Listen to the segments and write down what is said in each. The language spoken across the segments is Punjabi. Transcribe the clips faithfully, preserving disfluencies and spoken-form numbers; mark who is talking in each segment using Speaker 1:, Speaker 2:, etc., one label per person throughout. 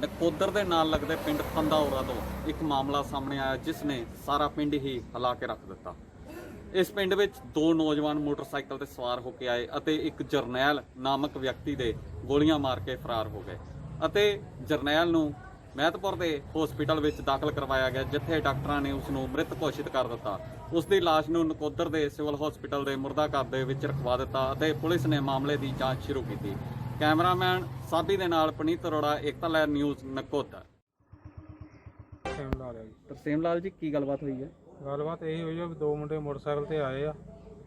Speaker 1: ਨਕੋਦਰ ਦੇ ਨਾਲ ਲੱਗਦੇ ਪਿੰਡ ਫੰਦਾਉਰਾ ਤੋਂ ਇੱਕ ਮਾਮਲਾ ਸਾਹਮਣੇ ਆਇਆ ਜਿਸ ਨੇ ਸਾਰਾ ਪਿੰਡ ਹੀ ਹਿਲਾ ਕੇ ਰੱਖ ਦਿੱਤਾ। ਇਸ ਪਿੰਡ ਵਿੱਚ ਦੋ ਨੌਜਵਾਨ ਮੋਟਰਸਾਈਕਲ ਤੇ ਸਵਾਰ ਹੋ ਕੇ ਆਏ ਅਤੇ ਇੱਕ ਜਰਨੈਲ ਨਾਮਕ ਵਿਅਕਤੀ ਦੇ ਗੋਲੀਆਂ ਮਾਰ ਕੇ ਫਰਾਰ ਹੋ ਗਏ ਅਤੇ ਜਰਨੈਲ ਨੂੰ ਮਹਿਤਪੁਰ ਦੇ ਹਸਪੀਟਲ ਵਿੱਚ ਦਾਖਲ ਕਰਵਾਇਆ ਗਿਆ, ਜਿੱਥੇ ਡਾਕਟਰਾਂ ਨੇ ਉਸ ਨੂੰ ਮ੍ਰਿਤ ਘੋਸ਼ਿਤ ਕਰ ਦਿੱਤਾ। ਉਸ ਦੀ ਲਾਸ਼ ਨੂੰ ਨਕੋਦਰ ਦੇ ਸਿਵਲ ਹਸਪੀਟਲ ਦੇ ਮੁਰਦਾ ਘਰ ਦੇ ਵਿੱਚ ਰਖਵਾ ਦਿੱਤਾ ਅਤੇ ਪੁਲਿਸ ਨੇ ਮਾਮਲੇ ਦੀ ਜਾਂਚ ਸ਼ੁਰੂ ਕੀਤੀ। ਕੈਮਰਾਮੈਨ ਸਾਬੀ ਦੇ ਨਾਲ ਪਨੀਤ ਅਰੋੜਾ, ਏਕਤਾ ਲਹਿਰ ਨਿਊਜ਼, ਨਕੋਦਰ।
Speaker 2: ਤਰਸੇਮ ਲਾਲ ਹੈ ਜੀ।
Speaker 1: ਤਰਸੇਮ ਲਾਲ ਜੀ, ਕੀ ਗੱਲਬਾਤ ਹੋਈ ਹੈ?
Speaker 2: ਗੱਲਬਾਤ ਇਹੀ ਹੋਈ ਆ ਵੀ ਦੋ ਮੁੰਡੇ ਮੋਟਰਸਾਈਕਲ ਤੇ ਆਏ ਆ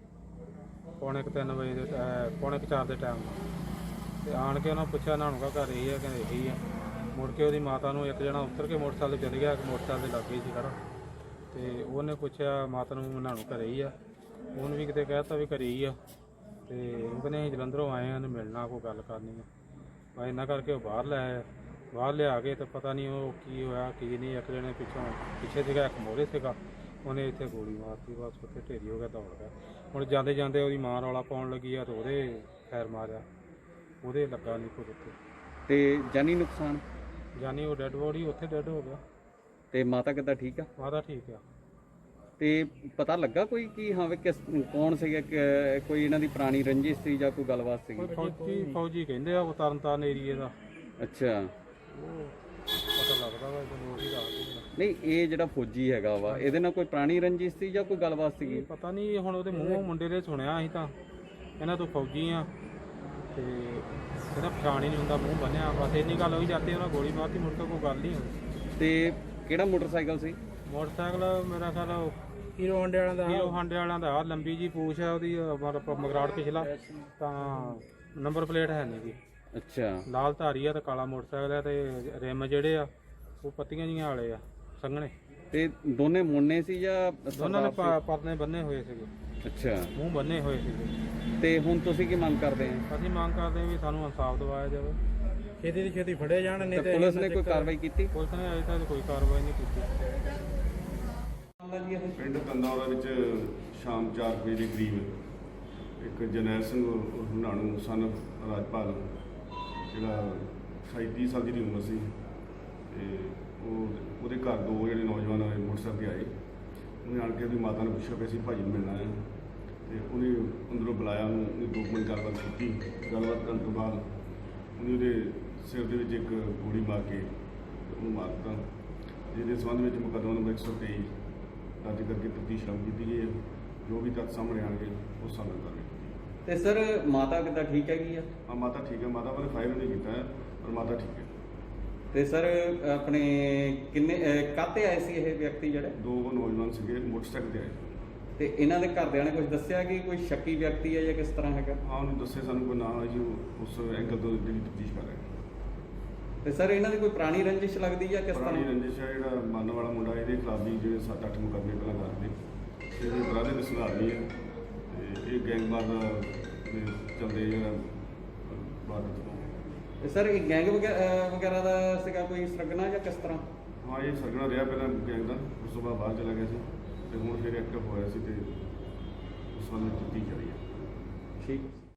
Speaker 2: ਪੌਣੇ ਕੁ ਤਿੰਨ ਵਜੇ ਦੇ ਟੈ- ਪੌਣੇ ਕੁ ਚਾਰ ਦੇ ਟਾਈਮ ਤੇ ਆਣ ਕੇ ਉਹਨਾਂ ਪੁੱਛਿਆ ਨਾਨੂੰ ਕਾ ਘਰ ਇਹੀ ਆ, ਕਹਿੰਦੇ ਇਹੀ ਆ। ਮੁੜ ਕੇ ਉਹਦੀ ਮਾਤਾ ਨੂੰ ਇੱਕ ਜਣਾ ਉੱਤਰ ਕੇ ਮੋਟਰਸਾਈਕਲ ਤੇ ਚਲੇ ਗਿਆ, ਇੱਕ ਮੋਟਰਸਾਈਕਲ ਦੇ ਲਾਗੇ ਸੀ ਖੜਾ ਤੇ ਉਹਨੇ ਪੁੱਛਿਆ ਮਾਤਾ ਨੂੰ ਨਾਨੂੰ ਘਰੇ ਹੀ ਆ। ਉਹਨੂੰ ਵੀ ਕਿਤੇ ਕਹਿ ਤਾ ਵੀ ਘਰੇ ਹੀ ਆ ਤੇ ਉਹ ਕਹਿੰਦੇ ਅਸੀਂ ਜਲੰਧਰੋਂ ਆਏ ਹਾਂ, ਮਿਲਣਾ, ਕੋਈ ਗੱਲ ਕਰਨੀ ਆ। ਬਸ ਇੰਨਾ ਕਰਕੇ ਉਹ ਬਾਹਰ ਲੈ ਆਏ। ਬਾਹਰ ਲਿਆ ਕੇ ਤੇ ਪਤਾ ਨਹੀਂ ਉਹ ਕੀ ਹੋਇਆ ਕੀ ਨਹੀਂ। ਇੱਕ ਜਣੇ ਪਿੱਛੋਂ ਪਿੱਛੇ ਸੀਗਾ, ਇੱਕ ਮੋਹਰੇ ਸੀਗਾ, ਉਹਨੇ ਇੱਥੇ ਗੋਲੀ ਮਾਰਤੀ, ਬਸ ਉੱਥੇ ਢੇਰੀ ਹੋ ਗਿਆ, ਦੌੜ ਗਿਆ। ਹੁਣ ਜਾਂਦੇ ਜਾਂਦੇ ਉਹਦੀ ਮਾਂ ਰੌਲਾ ਪਾਉਣ ਲੱਗੀ ਆ ਤੇ ਉਹਦੇ ਖੈਰ ਮਾਰਿਆ, ਉਹਦੇ ਲੱਗਾ ਨਹੀਂ ਕੋਈ ਉੱਥੇ
Speaker 1: ਤੇ ਜਾਨੀ ਨੁਕਸਾਨ?
Speaker 2: ਜਾਨੀ ਉਹ ਡੈੱਡ ਬੋਡੀ ਉੱਥੇ ਡੈੱਡ ਹੋ ਗਿਆ।
Speaker 1: ਤੇ ਮਾਤਾ ਕਿੱਦਾਂ, ਠੀਕ ਆ?
Speaker 2: ਮਾਤਾ ਠੀਕ ਆ।
Speaker 1: ਤੇ ਪਤਾ ਲੱਗਾ ਕੋਈ ਕਿ ਹਾਂ ਵੀ ਕਿਸ ਕੌਣ ਸੀਗਾ, ਕਿ ਕੋਈ ਇਹਨਾਂ ਦੀ ਪੁਰਾਣੀ ਰੰਜਿਸ਼ ਸੀ ਜਾਂ ਕੋਈ ਗੱਲਬਾਤ ਸੀਗੀ?
Speaker 2: ਕੋਈ ਫੌਜੀ ਫੌਜੀ ਕਹਿੰਦੇ ਆ, ਉਹ ਤਰਨਤਾਰਨ ਏਰੀਏ ਦਾ।
Speaker 1: ਅੱਛਾ,
Speaker 2: ਉਹ ਪਤਾ ਲੱਗਦਾ ਵਾ ਜਦੋਂ ਉਹੀ ਦੱਸਦੇ।
Speaker 1: ਨਹੀਂ ਇਹ ਜਿਹੜਾ ਫੌਜੀ ਹੈਗਾ ਵਾ, ਇਹਦੇ ਨਾਲ ਕੋਈ ਪੁਰਾਣੀ ਰੰਜਿਸ਼ ਸੀ ਜਾਂ ਕੋਈ ਗੱਲਬਾਤ ਸੀਗੀ?
Speaker 2: ਪਤਾ ਨਹੀਂ, ਹੁਣ ਉਹਦੇ ਮੂੰਹੋਂ ਮੁੰਡੇ ਦੇ ਸੁਣਿਆ ਅਸੀਂ ਤਾਂ ਇਹਨਾਂ ਤੋਂ ਫੌਜੀ ਆ ਤੇ ਇਹਦਾ ਪਛਾਣ ਹੀ ਨਹੀਂ ਹੁੰਦਾ, ਮੂੰਹ ਬੰਨਿਆ। ਬਸ ਇੰਨੀ ਗੱਲ ਹੋਈ, ਜਾਂਦੇ ਉਹਨਾਂ ਗੋਲੀ ਮਾਰਤੀ, ਮੁੜ ਕੇ ਕੋਈ ਗੱਲ ਨਹੀਂ ਹੋਈ।
Speaker 1: ਤੇ ਕਿਹੜਾ ਮੋਟਰਸਾਈਕਲ ਸੀ?
Speaker 2: ਮੋਟਰਸਾਈਕਲ ਮੇਰਾ ਖਿਆਲ ਹੀਰੋ ਹਾਂਡੇ ਵਾਲਿਆਂ ਦਾ ਹੀਰੋ ਹਾਂਡੇ ਵਾਲਿਆਂ ਦਾ। ਲੰਬੀ ਜੀ ਪੂਛ ਹੈ ਉਹਦੀ, ਮਤਲਬ ਮਗਰਾੜ ਪਿਛਲਾ, ਤਾਂ ਨੰਬਰ ਪਲੇਟ ਹੈ ਨਹੀਂ ਜੀ।
Speaker 1: ਅੱਛਾ,
Speaker 2: ਲਾਲ ਧਾਰੀ ਆ ਤੇ ਕਾਲਾ ਮੋਟਰਸਾਈਕਲ ਹੈ ਤੇ ਰਿਮ ਜਿਹੜੇ ਆ ਉਹ ਪੱਤੀਆਂ ਜੀਆਂ ਵਾਲੇ ਆ, ਸੰਘਣੇ।
Speaker 1: ਤੇ ਦੋਨੇ ਮੁੰਨੇ ਸੀ ਜਾਂ
Speaker 2: ਦੋਨਾਂ ਨੇ ਪ- ਪਰਨੇ ਬੰਨੇ ਹੋਏ ਸੀਗੇ,
Speaker 1: ਅੱਛਾ,
Speaker 2: ਮੂੰਹ ਬੰਨੇ ਹੋਏ ਸੀਗੇ।
Speaker 1: ਤੇ ਹੁਣ ਤੁਸੀਂ ਕੀ ਮੰਗ ਕਰਦੇ ਆ?
Speaker 2: ਅਸੀਂ ਮੰਗ ਕਰਦੇ ਹਾਂ ਵੀ ਸਾਨੂੰ ਇਨਸਾਫ ਦਿਵਾਇਆ ਜਾਵੇ, ਛੇਤੀ ਤੋਂ ਛੇਤੀ ਫੜੇ ਜਾਣ। ਨਹੀਂ
Speaker 1: ਤੇ ਪੁਲਿਸ ਨੇ ਕੋਈ ਕਾਰਵਾਈ ਕੀਤੀ?
Speaker 2: ਪੁਲਿਸ ਨੇ ਅਜੇ ਤੱਕ ਕੋਈ ਕਾਰਵਾਈ ਨਹੀਂ ਕੀਤੀ।
Speaker 3: ਪਿੰਡ ਕੰਦਾਵਰਾ ਵਿੱਚ ਸ਼ਾਮ ਚਾਰ ਵਜੇ ਦੇ ਕਰੀਬ ਇੱਕ ਜਰਨੈਲ ਸਿੰਘ ਹੁਣਾਣੂ ਸਨ ਰਾਜਪਾਲ, ਜਿਹੜਾ ਅਠਾਈ ਤੀਹ ਸਾਲ ਦੀ ਉਮਰ ਸੀ, ਤੇ ਉਹ ਉਹਦੇ ਘਰ ਦੋ ਜਿਹੜੇ ਨੌਜਵਾਨ ਆਏ ਮੋਟਰਸਾਈਕਲ 'ਤੇ ਆਏ। ਉਹਨੇ ਆਣ ਕੇ ਉਹਦੀ ਮਾਤਾ ਨੂੰ ਪੁੱਛਿਆ ਕਿ ਅਸੀਂ ਭਾਜੀ ਨੂੰ ਮਿਲਣਾ ਹੈ, ਤੇ ਉਹਨੇ ਅੰਦਰੋਂ ਬੁਲਾਇਆ ਉਹਨੂੰ। ਉਹਨੇ ਦੋ ਮਿੰਟ ਗੱਲਬਾਤ ਕੀਤੀ। ਗੱਲਬਾਤ ਕਰਨ ਤੋਂ ਬਾਅਦ ਉਹਨੇ ਉਹਦੇ ਸਿਰ ਦੇ ਵਿੱਚ ਇੱਕ ਗੋਲੀ ਮਾਰ ਕੇ ਉਹਨੂੰ ਮਾਰ ਦਿੱਤਾ, ਜਿਹਦੇ ਸੰਬੰਧ ਵਿੱਚ ਮੁਕੱਦਮਾ ਨੰਬਰ ਇੱਕ ਸੌ ਤੇਈ ਦਰਜ ਕਰਕੇ ਤਫਤੀਸ਼ ਸ਼ੁਰੂ ਕੀਤੀ ਗਈ ਹੈ। ਜੋ ਵੀ ਤੱਥ ਸਾਹਮਣੇ ਆਉਣਗੇ ਉਸ ਸਾਹਮਣੇ ਕਰਾਂਗੇ।
Speaker 1: ਤੇ ਸਰ ਮਾਤਾ ਕਿੱਦਾਂ, ਠੀਕ ਹੈਗੀ ਆ?
Speaker 3: ਹਾਂ, ਮਾਤਾ ਠੀਕ ਹੈ। ਮਾਤਾ ਬਾਰੇ ਫਾਇਰ ਨਹੀਂ ਕੀਤਾ ਹੈ, ਪਰ ਮਾਤਾ ਠੀਕ ਹੈ।
Speaker 1: ਤੇ ਸਰ ਆਪਣੇ ਕਿੰਨੇ ਕਾਹਤੇ ਆਏ ਸੀ ਇਹ ਵਿਅਕਤੀ ਜਿਹੜੇ?
Speaker 3: ਦੋ ਨੌਜਵਾਨ ਸੀਗੇ, ਮੋਟਰਸਾਈਕਲ 'ਤੇ ਆਏ।
Speaker 1: ਤੇ ਇਹਨਾਂ ਦੇ ਘਰਦਿਆਂ ਨੇ ਕੁਝ ਦੱਸਿਆ ਕਿ ਕੋਈ ਸ਼ੱਕੀ ਵਿਅਕਤੀ ਹੈ ਜਾਂ ਕਿਸ ਤਰ੍ਹਾਂ ਹੈਗਾ?
Speaker 3: ਹਾਂ, ਉਹਨੂੰ ਦੱਸੇ ਸਾਨੂੰ ਕੋਈ ਨਾਂ ਹੈ ਜੀ, ਉਹ ਉਸ ਐਂਗਲ ਤੋਂ ਜਿਹੜੀ ਤਫਤੀਸ਼ ਕਰ ਰਹੇ ਨੇ।
Speaker 1: ਤੇ ਸਰ ਇਹਨਾਂ ਦੀ ਕੋਈ ਪੁਰਾਣੀ ਰੰਜਿਸ਼ ਲੱਗਦੀ ਜਾਂ ਕਿਸ
Speaker 3: ਪੁਰਾਣੀ
Speaker 1: ਤਰ੍ਹਾਂ?
Speaker 3: ਰੰਜਿਸ਼ ਹੈ, ਜਿਹੜਾ ਮੰਨ ਵਾਲਾ ਮੁੰਡਾ, ਇਹਦੇ ਖਿਲਾਫ ਵੀ ਜਿਹੜੇ ਸੱਤ ਅੱਠ ਮੁਕੱਦਮੇ ਪਹਿਲਾਂ ਕਰਦੇ, ਇਹਦੇ ਬਰਾਦੇ ਦੇ ਸੁਧਾਰ ਨਹੀਂ ਹੈ, ਤੇ ਇਹ ਗੈਂਗਵਾਰ ਦਾ ਦੇ ਚੱਲਦੇ ਜਿਹੜਾ ਬਾਦਤ ਤੋਂ।
Speaker 1: ਤੇ ਸਰ ਇਹ ਗੈਂਗ ਵਗੈ- ਵਗੈਰਾ ਦਾ ਸੀਗਾ ਕੋਈ ਸਰਗਨਾ ਜਾਂ ਕਿਸ ਤਰ੍ਹਾਂ?
Speaker 3: ਹਾਂ, ਇਹ ਸਰਗਣਾ ਰਿਹਾ ਪਹਿਲਾਂ ਗੈਂਗ ਦਾ, ਉਸ ਤੋਂ ਬਾਅਦ ਬਾਹਰ ਚਲਾ ਗਿਆ ਸੀ ਤੇ ਹੁਣ ਫਿਰ ਐਕਟਿਵ ਹੋਇਆ ਸੀ ਤੇ ਉਸ ਵੱਲ ਤਫਤੀਸ਼ ਜਾਰੀ ਹੈ।
Speaker 1: ਠੀਕ।